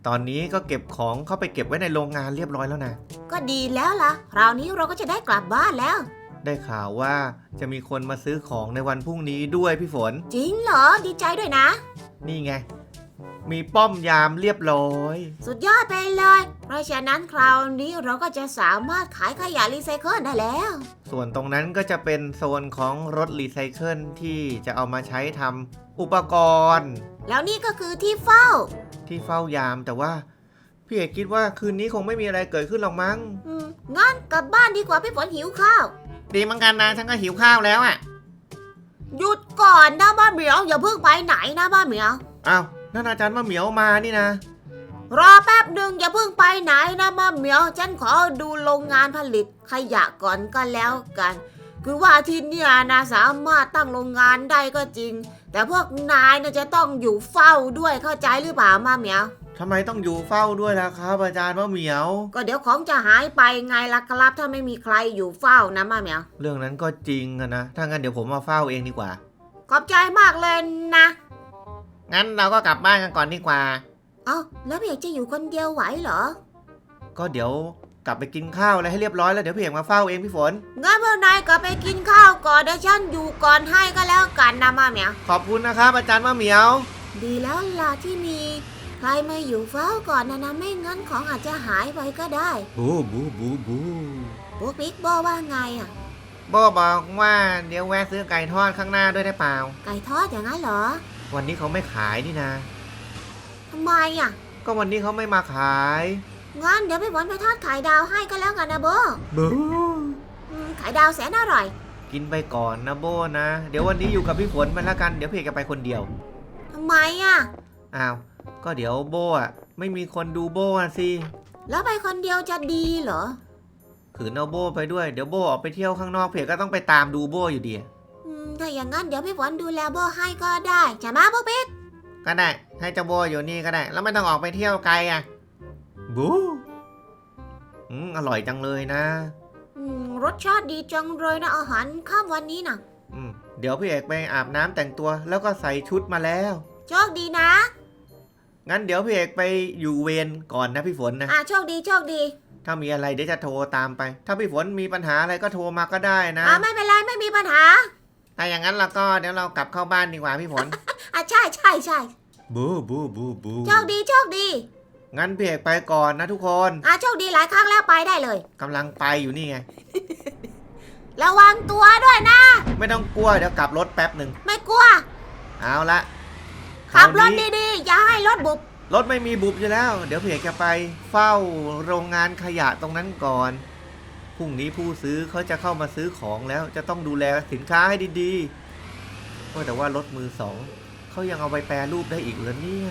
ตอนนี้ก็เก็บของเข้าไปเก็บไว้ในโรงงานเรียบร้อยแล้วนะก็ดีแล้วล่ะคราวนี้เราก็จะได้กลับบ้านแล้วได้ข่าวว่าจะมีคนมาซื้อของในวันพรุ่งนี้ด้วยพี่ฝนจริงเหรอดีใจด้วยนะนี่ไงมีป้อมยามเรียบร้อยสุดยอดไปเลยเพราะฉะนั้นคราวนี้เราก็จะสามารถขายขยะรีไซเคิลได้แล้วส่วนตรงนั้นก็จะเป็นโซนของรถรีไซเคิลที่จะเอามาใช้ทำอุปกรณ์แล้วนี่ก็คือที่เฝ้ายามแต่ว่าพี่เอกคิดว่าคืนนี้คงไม่มีอะไรเกิดขึ้นหรอกมั้งงั้นกลับบ้านดีกว่าพี่ฝนหิวข้าวดีเหมือนกันนะฉันก็หิวข้าวแล้วอ่ะหยุดก่อนนะบ้าเหมียวอย่าเพิ่งไปไหนนะบ้าเหมียวอ้าวนั่นอาจารย์มะเหมียวมานี่นะรอแป๊บหนึ่งอย่าเพิ่งไปไหนนะบ้าเหมียวฉันขอดูโรงงานผลิตขยะก่อนก็แล้วกันคือว่าที่เนี่ยนะสามารถตั้งโรงงานได้ก็จริงแต่พวกนายนะจะต้องอยู่เฝ้าด้วยเข้าใจหรือเปล่าบ้าเหมียวทำไมต้องอยู่เฝ้าด้วยล่ะครับอาจารย์มะเหมียวก็เดี๋ยวของจะหายไปไงล่ะครับถ้าไม่มีใครอยู่เฝ้านะบ้าเหมียวเรื่องนั้นก็จริงนะถ้างั้นเดี๋ยวผมมาเฝ้าเองดีกว่าขอบใจมากเลยนะงั้นเราก็กลับบ้านกันก่อนดีกว่าเอ้าแล้วพี่เอกจะอยู่คนเดียวไหวเหรอก็เดี๋ยวกลับไปกินข้าวอะไรให้เรียบร้อยแล้วเดี๋ยวพี่เอกมาเฝ้าเองพี่ฝนงั้นพวกนายกลับไปกินข้าวก่อนเดี๋ยวฉันอยู่ก่อนให้ก็แล้วกันนะมาเหมียวขอบคุณนะครับอาจารย์มะเหมียวดีแล้วล่ะที่มีใครมาอยู่เฝ้าก่อนนะไม่งั้นของอาจจะหายไปก็ได้บูบูบูบูปุ๊กปิ๊กบอกว่าไงอ่ะโบบอกว่าเดี๋ยวแวะซื้อไก่ทอดข้างหน้าด้วยได้เปล่าไก่ทอดอย่างนั้นเหรอวันนี้เขาไม่ขายนี่นะทำไมอ่ะก็วันนี้เขาไม่มาขายงั้นเดี๋ยวพี่ฝนไปทอดไข่ดาวให้ก็แล้วกันนะโบบูไข่ดาวแสนอร่อยกินไปก่อนนะโบนะเดี๋ยววันนี้อยู่กับพี่ฝนไปแล้วกันเดี๋ยวพี่เอกจะไปคนเดียวทำไมอ่ะอ้าวก็เดี๋ยวโบอ่ะไม่มีคนดูโบอ่ะสิแล้วไปคนเดียวจะดีเหรอขืนเอาโบไปด้วยเดี๋ยวโบออกไปเที่ยวข้างนอกเพียก็ต้องไปตามดูโบอยู่ดีถ้าอย่างนั้นเดี๋ยวพี่ฝนดูแลโบให้ก็ได้จะมาปุ๊กปิ๊กก็ได้ให้เจ้าโบอยู่นี่ก็ได้แล้วไม่ต้องออกไปเที่ยวไกลอ่ะบูอร่อยจังเลยนะรสชาติดีจังเลยนะอาหารข้ามวันนี้นะเดี๋ยวพี่เอกไปอาบน้ำแต่งตัวแล้วก็ใส่ชุดมาแล้วโชคดีนะงั้นเดี๋ยวพี่เอกไปอยู่เวรก่อนนะพี่ฝนนะโชคดีโชคดีถ้ามีอะไรเดี๋ยวจะโทรตามไปถ้าพี่ฝนมีปัญหาอะไรก็โทรมาก็ได้นะไม่เป็นไรไม่มีปัญหาถ้าอย่างนั้นเราก็เดี๋ยวเรากลับเข้าบ้านดีกว่าพี่ฝนใช่ใช่ใช่บูบูบูบูโชคดีโชคดีงั้นพี่เอกไปก่อนนะทุกคนโชคดีหลายครั้งแล้วไปได้เลยกำลังไปอยู่นี่ไงระวังตัวด้วยนะไม่ต้องกลัวเดี๋ยวกลับรถแป๊บหนึ่งไม่กลัวเอาละขับรถดีๆอย่าให้รถบุบรถไม่มีบุบอยู่แล้วเดี๋ยวพี่เอกจะไปเฝ้าโรงงานขยะตรงนั้นก่อนพรุ่งนี้ผู้ซื้อเขาจะเข้ามาซื้อของแล้วจะต้องดูแลสินค้าให้ดีๆแต่ว่ารถมือสองเขายังเอาไปแปรรูปได้อีกเหรอเนี่ย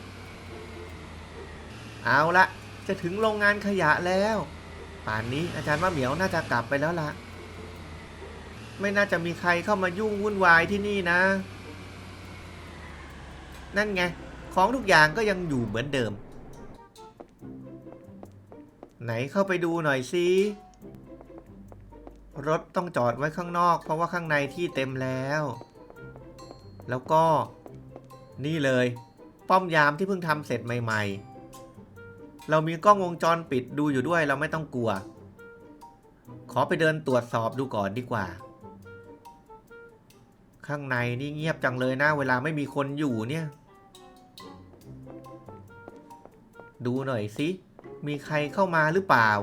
เอาละจะถึงโรงงานขยะแล้วป่านนี้อาจารย์มะเหมียวน่าจะกลับไปแล้วล่ะไม่น่าจะมีใครเข้ามายุ่งวุ่นวายที่นี่นะนั่นไงของทุกอย่างก็ยังอยู่เหมือนเดิมไหนเข้าไปดูหน่อยสิรถต้องจอดไว้ข้างนอกเพราะว่าข้างในที่เต็มแล้วแล้วก็นี่เลยป้อมยามที่เพิ่งทำเสร็จใหม่ๆเรามีกล้องวงจรปิดดูอยู่ด้วยเราไม่ต้องกลัวขอไปเดินตรวจสอบดูก่อนดีกว่าข้างในนี่เงียบจังเลยนะเวลาไม่มีคนอยู่เนี่ยดูหน่อยสิมีใครเข้ามาหรือเปล่า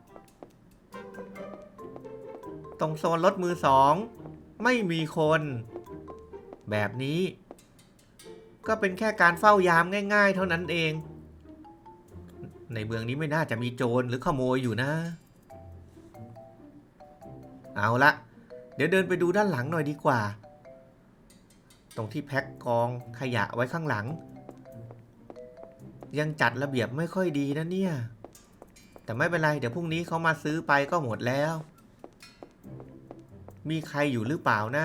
ตรงโซนรถมือสองไม่มีคนแบบนี้ก็เป็นแค่การเฝ้ายามง่ายๆเท่านั้นเองในเมืองนี้ไม่น่าจะมีโจรหรือขโมยอยู่นะเอาละเดี๋ยวเดินไปดูด้านหลังหน่อยดีกว่าตรงที่แพ็คกองขยะไว้ข้างหลังยังจัดระเบียบไม่ค่อยดีนะเนี่ยแต่ไม่เป็นไรเดี๋ยวพรุ่งนี้เขามาซื้อไปก็หมดแล้วมีใครอยู่หรือเปล่านะ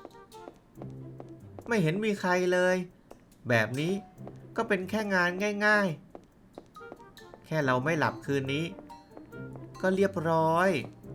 ไม่เห็นมีใครเลยแบบนี้ก็เป็นแค่งานง่ายๆแค่เราไม่หลับคืนนี้ก็เรียบร้อย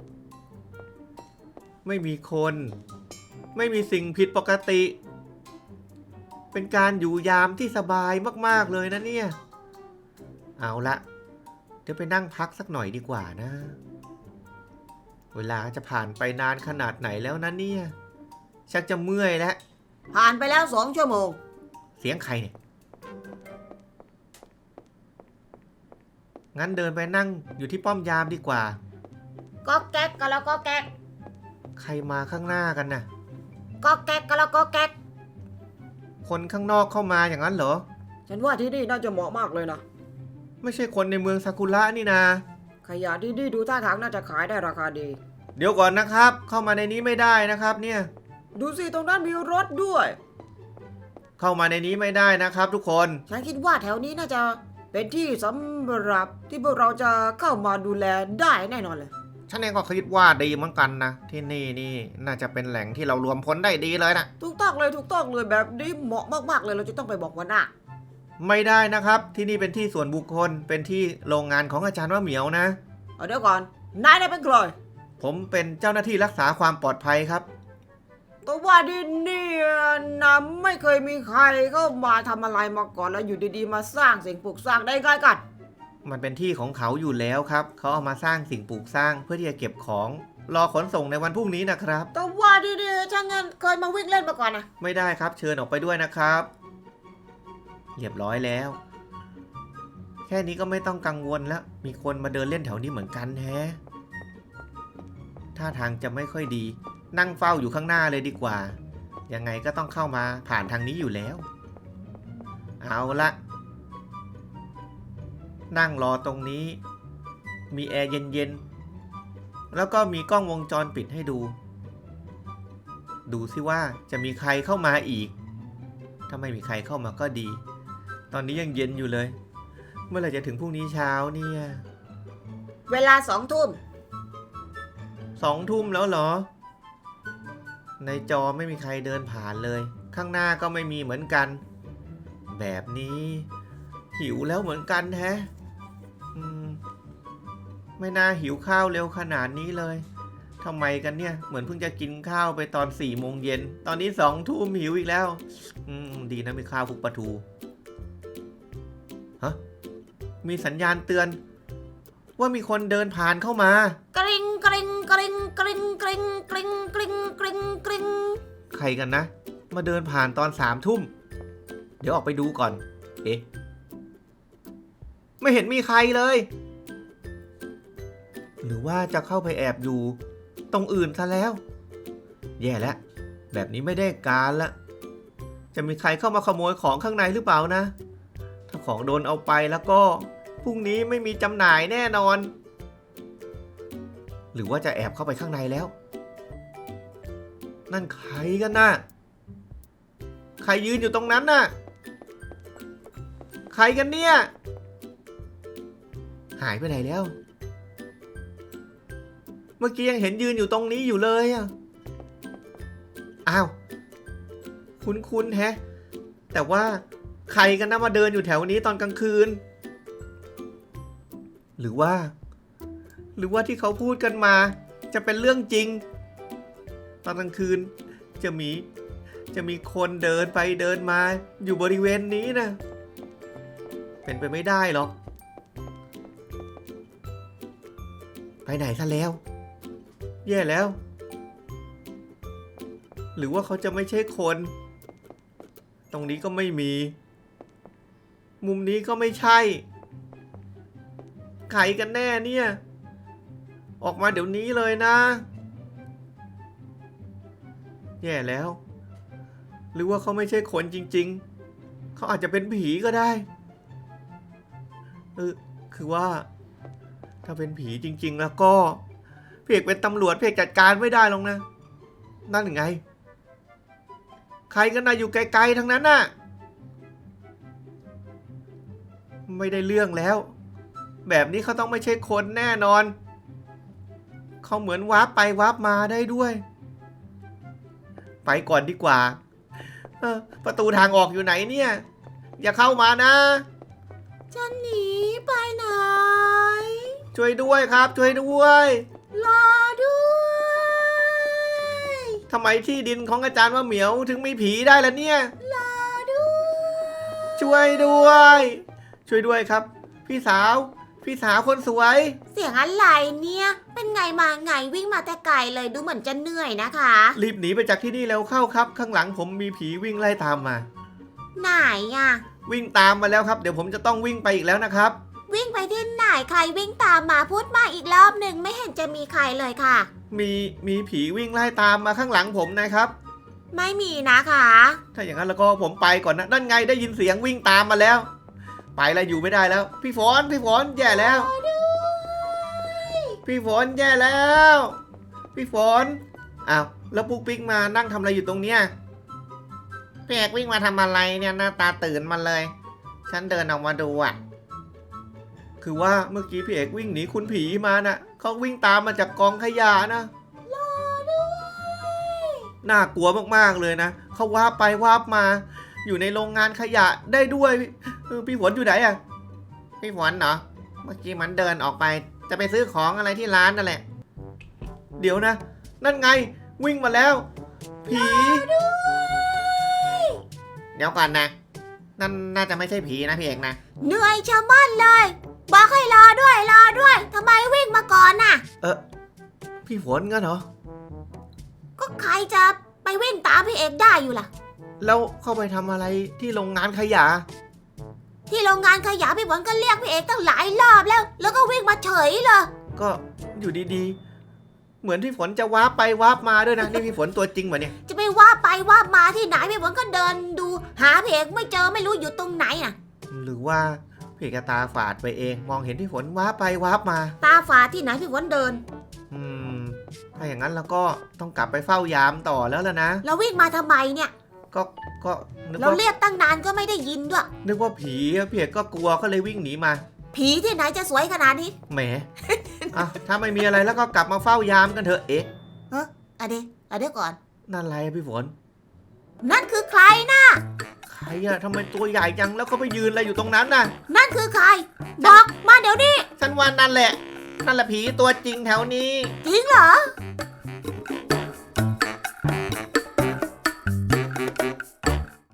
ไม่มีคนไม่มีสิ่งผิดปกติเป็นการอยู่ยามที่สบายมากๆเลยนะเนี่ยเอาละเดี๋ยวไปนั่งพักสักหน่อยดีกว่านะ เวลาจะผ่านไปนานขนาดไหนแล้วนะเนี่ย ชักจะเมื่อยแล้วผ่านไปแล้ว2 ชั่วโมงเสียงใครเนี่ย งั้นเดินไปนั่งอยู่ที่ป้อมยามดีกว่าก็แก๊กก็แล้วก็แก๊กใครมาข้างหน้ากันน่ะก็แก๊กก็แล้วก็แก๊กคนข้างนอกเข้ามาอย่างนั้นเหรอฉันว่าที่นี่น่าจะเหมาะมากเลยนะไม่ใช่คนในเมืองซากุระนี่นาขยะที่นี่ดูท่าทางน่าจะขายได้ราคาดีเดี๋ยวก่อนนะครับ เข้ามาในนี้ไม่ได้นะครับเนี่ยดูสิตรงนั้นมีรถด้วยเข้ามาในนี้ไม่ได้นะครับทุกคนฉันคิดว่าแถวนี้น่าจะเป็นที่สำหรับที่พวกเราจะเข้ามาดูแลได้แน่นอนเลยฉันเองก็คิดว่าดีเหมือนกันนะ ที่นี่น่าจะเป็นแหล่งที่เรารวมพลได้ดีเลยนะถูกต้องเลยแบบนี้เหมาะมากๆเลยเราจะต้องไปบอกหัวหน้าไม่ได้นะครับ ที่นี่เป็นที่ส่วนบุคคล เป็นที่โรงงานของอาจารย์ว่าเหมียวนะเอาเดี๋ยวก่อนนายเป็นใครผมเป็นเจ้าหน้าที่รักษาความปลอดภัยครับแต่ว่าที่นี่นะไม่เคยมีใครเข้ามาทำอะไรมาก่อนแล้วอยู่ดีๆมาสร้างสิ่งปลูกสร้างได้ไงกันมันเป็นที่ของเขาอยู่แล้วครับ เขาเอามาสร้างสิ่งปลูกสร้างเพื่อที่จะเก็บของรอขนส่งในวันพรุ่งนี้นะครับแต่ว่าที่นี่ช่างเงินเคยมาวิ่งเล่นมาก่อนนะไม่ได้ครับ เชิญออกไปด้วยนะครับ เรียบร้อยแล้ว แค่นี้ก็ไม่ต้องกังวลแล้ว มีคนมาเดินเล่นแถวนี้เหมือนกันแฮะท่าทางจะไม่ค่อยดี นั่งเฝ้าอยู่ข้างหน้าเลยดีกว่า ยังไงก็ต้องเข้ามาผ่านทางนี้อยู่แล้ว เอาละนั่งรอตรงนี้ มีแอร์เย็นๆ แล้วก็มีกล้องวงจรปิดให้ดู ดูสิว่าจะมีใครเข้ามาอีก ถ้าไม่มีใครเข้ามาก็ดี ตอนนี้ยังเย็นอยู่เลย เมื่อไหร่จะถึงพรุ่งนี้เช้าเนี่ยเวลา2 ทุ่ม 2 ทุ่มแล้วเหรอ ในจอไม่มีใครเดินผ่านเลย ข้างหน้าก็ไม่มีเหมือนกัน แบบนี้หิวแล้วเหมือนกันแฮะไม่น่าหิวข้าวเร็วขนาดนี้เลยทำไมกันเนี่ย เหมือนเพิ่งจะกินข้าวไปตอน4 โมงเย็น ตอนนี้2 ทุ่มหิวอีกแล้วดีนะมีข้าวคลุกปลาทูฮะมีสัญญาณเตือน ว่ามีคนเดินผ่านเข้ามากริ๊งกริ๊งกริ๊งกริ๊งกริ๊งกริ๊งกริ๊งกริ๊งกริ๊งใครกันนะ มาเดินผ่านตอน3 ทุ่ม เดี๋ยวออกไปดูก่อน เอ๊ะไม่เห็นมีใครเลย หรือว่าจะเข้าไปแอบอยู่ตรงอื่นซะแล้ว แย่แล้วแบบนี้ไม่ได้การละจะมีใครเข้ามาขโมยของข้างในหรือเปล่านะ ถ้าของโดนเอาไปแล้วก็พรุ่งนี้ไม่มีจำหน่ายแน่นอน หรือว่าจะแอบเข้าไปข้างในแล้ว นั่นใครกันน่ะ ใครยืนอยู่ตรงนั้นน่ะ ใครกันเนี่ย หายไปไหนแล้ว เมื่อกี้ยังเห็นยืนอยู่ตรงนี้อยู่เลยอ่ะ อ้าว คุ้นๆแฮะ แต่ว่าใครกันนะมาเดินอยู่แถวนี้ตอนกลางคืน หรือว่าที่เขาพูดกันมาจะเป็นเรื่องจริง ตอนกลางคืนจะมีคนเดินไปเดินมาอยู่บริเวณนี้นะเป็นไปไม่ได้หรอกไปไหนซะแล้วแย่แล้ว หรือว่าเขาจะไม่ใช่คนตรงนี้ก็ไม่มีมุมนี้ก็ไม่ใช่ใครกันแน่เนี่ยออกมาเดี๋ยวนี้เลยนะแย่แล้วหรือว่าเขาไม่ใช่คนจริงๆเขาอาจจะเป็นผีก็ได้คือว่าถ้าเป็นผีจริงๆแล้วก็เพกเป็นตำรวจเพกจัดการไม่ได้หรอกนะนั่นไงใครกันนะอยู่ไกลๆทั้งนั้นน่ะไม่ได้เรื่องแล้วแบบนี้เขาต้องไม่ใช่คนแน่นอนเขาเหมือนวาร์ปไปวาร์ปมาได้ด้วยไปก่อนดีกว่าประตูทางออกอยู่ไหนเนี่ยอย่าเข้ามานะจะหนีไปไหนช่วยด้วยครับช่วยด้วยรอด้วยทำไมที่ดินของอาจารย์ว่าเหมียวถึงมีผีได้ล่ะเนี่ยรอด้วยช่วยด้วยครับพี่พี่สาวคนสวยเสียงอะไรเนี่ย เป็นไงมาไงวิ่งมาแต่ไกลเลยดูเหมือนจะเหนื่อยนะคะรีบหนีไปจากที่นี่แล้วเข้าครับ ข้างหลังผมมีผีวิ่งไล่ตามมาไหนอะวิ่งตามมาแล้วครับเดี๋ยวผมจะต้องวิ่งไปอีกแล้วนะครับวิ่งไปที่ไหนใครวิ่งตามมาพูดมาอีกรอบหนึ่งไม่เห็นจะมีใครเลยค่ะมีผีวิ่งไล่ตามมาข้างหลังผมนะครับไม่มีนะคะถ้าอย่างนั้นแล้วก็ผมไปก่อนนะนั่นไงได้ยินเสียงวิ่งตามมาแล้ว ไปแล้วอยู่ไม่ได้แล้ว พี่ฝนแย่แล้ว พี่ฝนแย่แล้ว พี่ฝนอ้าวแล้วปุ๊กปิ๊กมานั่งทำอะไรอยู่ตรงเนี้ยพี่เอกวิ่งมาทำอะไรเนี่ยหน้าตาตื่นมาเลย ฉันเดินออกมาดูอ่ะ คือว่าเมื่อกี้พี่เอกวิ่งหนีคุณผีมาน่ะเขาวิ่งตามมาจากกองขยะนะน่ากลัวมากๆเลยนะเขาวาบไปวาบมา อยู่ในโรงงานขยะได้ด้วยพี่ฝนอยู่ไหนอ่ะพี่ฝนเหรอเมื่อกี้มันเดินออกไปจะไปซื้อของอะไรที่ร้านนั่นแหละเดี๋ยวนะนั่นไงวิ่งมาแล้ว ผีเดี๋ยวก่อนนะนั่นน่าจะไม่ใช่ผีนะพี่เอกนะเหนื่อยชะมัดเลยบอกให้รอด้วยทำไมวิ่งมาก่อนน่ะพี่ฝนงั้นเหรอก็ใครจะไปวิ่งตามพี่เอกได้อยู่ล่ะแล้วเข้าไปทำอะไรที่โรงงานขยะที่โรงงานขยะพี่ฝนก็เรียกพี่เอกตั้งหลายรอบแล้วก็วิ่งมาเฉยเลยก็อยู่ดีๆเหมือนพี่ฝนจะวาร์ปไปวาร์ปมาด้วยนะนี่พี่ฝนตัวจริงเหรอเนี่ยจะไปว่าไปว่ามาที่ไหนพี่ฝนก็เดินดูหาพี่เอกไม่เจอไม่รู้อยู่ตรงไหนอ่ะหรือว่าพี่เอกตาฝาดไปเองมองเห็นพี่ฝนวาร์ปไปวาร์ปมาตาฝาดที่ไหนพี่ฝนเดินถ้าอย่างนั้นเราก็ต้องกลับไปเฝ้ายามต่อแล้วล่ะนะเราวิ่งมาทำไมเนี่ยก็นึกเราว่าเรียกตั้งนานก็ไม่ได้ยินด้วยนึกว่าผีอะพี่เอกก็กลัวก็เลยวิ่งหนีมาผีที่ไหนจะสวยขนาดนี้แหม อ่ะถ้าไม่มีอะไรแล้วก็กลับมาเฝ้ายามกันเถอะเอ๊ะอะเดี๋ยวก่อนนั่นอะไรอะพี่ฝนนั่นคือใครนะใครอะทำไมตัวใหญ่จังแล้วก็ไปยืนอะไรอยู่ตรงนั้นน่ะนั่นคือใคร บอกมาเดี๋ยวนี้ฉันว่านั่นแหละผีตัวจริงแถวนี้จริงเหรอ